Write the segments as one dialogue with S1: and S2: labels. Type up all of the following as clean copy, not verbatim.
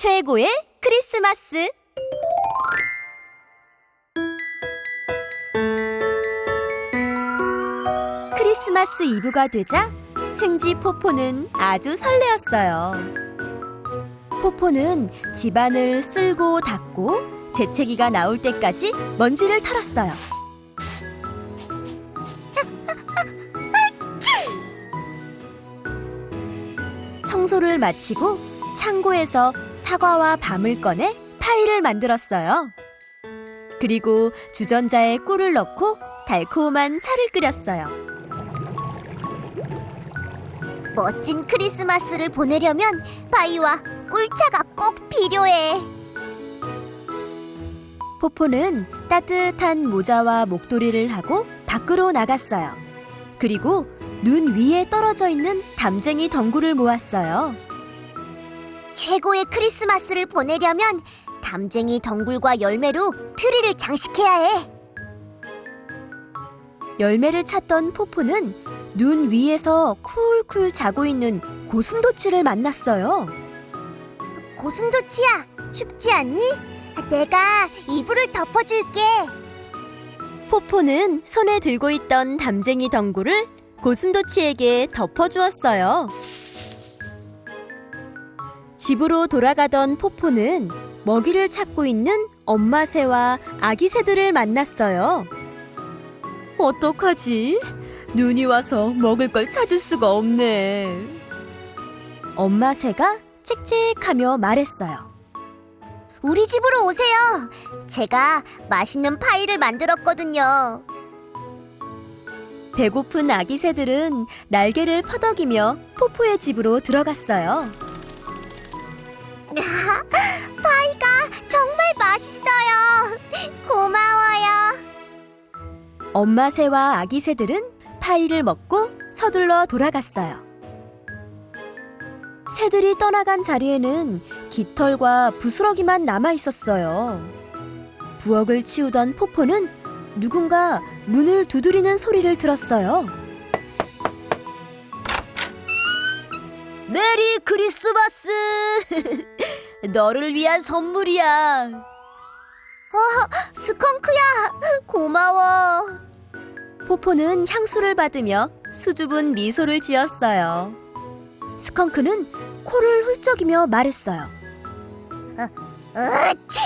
S1: 최고의 크리스마스. 크리스마스 이브가 되자 생쥐 포포는 아주 설레었어요. 포포는 집안을 쓸고 닦고 재채기가 나올 때까지 먼지를 털었어요. 청소를 마치고 창고에서 사과와 밤을 꺼내 파이를 만들었어요. 그리고 주전자에 꿀을 넣고 달콤한 차를 끓였어요.
S2: 멋진 크리스마스를 보내려면 파이와 꿀차가 꼭 필요해.
S1: 포포는 따뜻한 모자와 목도리를 하고 밖으로 나갔어요. 그리고 눈 위에 떨어져 있는 담쟁이 덩굴을 모았어요.
S2: 최고의 크리스마스를 보내려면 담쟁이 덩굴과 열매로 트리를 장식해야 해.
S1: 열매를 찾던 포포는 눈 위에서 쿨쿨 자고 있는 고슴도치를 만났어요.
S2: 고슴도치야, 춥지 않니? 내가 이불을 덮어줄게.
S1: 포포는 손에 들고 있던 담쟁이 덩굴을 고슴도치에게 덮어주었어요. 집으로 돌아가던 포포는 먹이를 찾고 있는 엄마 새와 아기 새들을 만났어요. 어떡하지? 눈이 와서 먹을 걸 찾을 수가 없네. 엄마 새가 짹짹하며 말했어요.
S2: 우리 집으로 오세요. 제가 맛있는 파이를 만들었거든요.
S1: 배고픈 아기 새들은 날개를 퍼덕이며 포포의 집으로 들어갔어요.
S2: 파이가 정말 맛있어요. 고마워요.
S1: 엄마 새와 아기 새들은 파이를 먹고 서둘러 돌아갔어요. 새들이 떠나간 자리에는 깃털과 부스러기만 남아 있었어요. 부엌을 치우던 포포는 누군가 문을 두드리는 소리를 들었어요. 메리 크리스마스! 너를 위한 선물이야.
S2: 스컹크야, 고마워.
S1: 포포는 향수를 받으며 수줍은 미소를 지었어요. 스컹크는 코를 훌쩍이며 말했어요.
S2: 으치!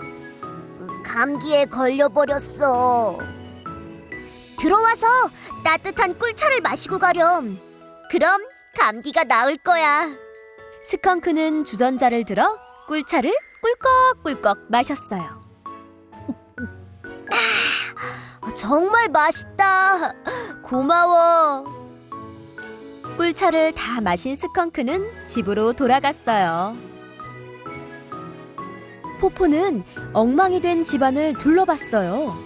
S2: 감기에 걸려버렸어. 들어와서 따뜻한 꿀차를 마시고 가렴. 그럼 감기가 나을 거야.
S1: 스컹크는 주전자를 들어 꿀차를 꿀꺽꿀꺽 마셨어요.
S2: 정말 맛있다. 고마워.
S1: 꿀차를 다 마신 스컹크는 집으로 돌아갔어요. 포포는 엉망이 된 집안을 둘러봤어요.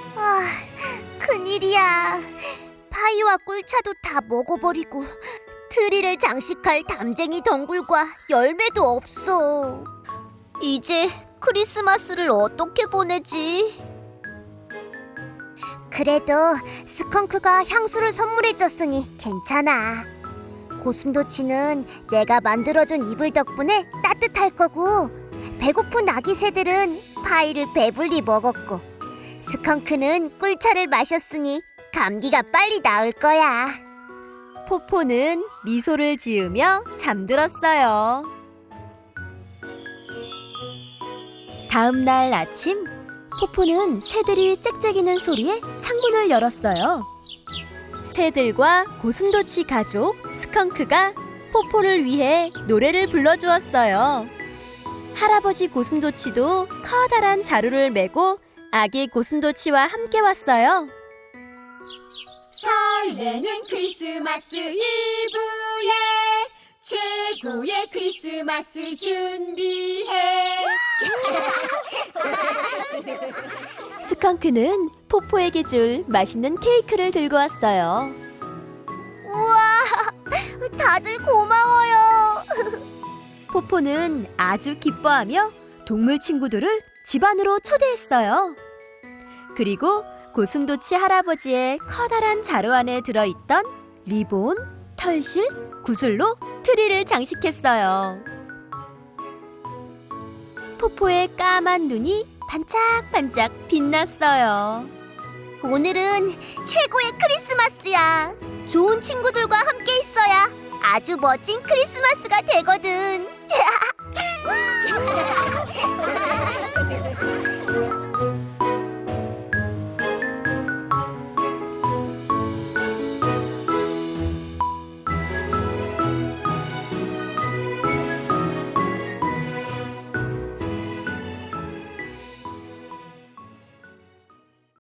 S2: 큰일이야. 파이와 꿀차도 다 먹어버리고 트리를 장식할 담쟁이 덩굴과 열매도 없어. 이제 크리스마스를 어떻게 보내지? 그래도 스컹크가 향수를 선물해줬으니 괜찮아. 고슴도치는 내가 만들어준 이불 덕분에 따뜻할 거고, 배고픈 아기 새들은 파이를 배불리 먹었고, 스컹크는 꿀차를 마셨으니 감기가 빨리 나을 거야.
S1: 포포는 미소를 지으며 잠들었어요. 다음 날 아침, 포포는 새들이 짹짹이는 소리에 창문을 열었어요. 새들과 고슴도치 가족 스컹크가 포포를 위해 노래를 불러주었어요. 할아버지 고슴도치도 커다란 자루를 메고 아기 고슴도치와 함께 왔어요.
S2: 설레는 크리스마스 이브에 최고의 크리스마스 준비해.
S1: 스컹크는 포포에게 줄 맛있는 케이크를 들고 왔어요.
S2: 우와, 다들 고마워요.
S1: 포포는 아주 기뻐하며 동물 친구들을 집 안으로 초대했어요. 그리고 고슴도치 할아버지의 커다란 자루 안에 들어있던 리본, 털실, 구슬로 트리를 장식했어요. 포포의 까만 눈이 반짝반짝 빛났어요.
S2: 오늘은 최고의 크리스마스야. 좋은 친구들과 함께 있어야 아주 멋진 크리스마스가 되거든.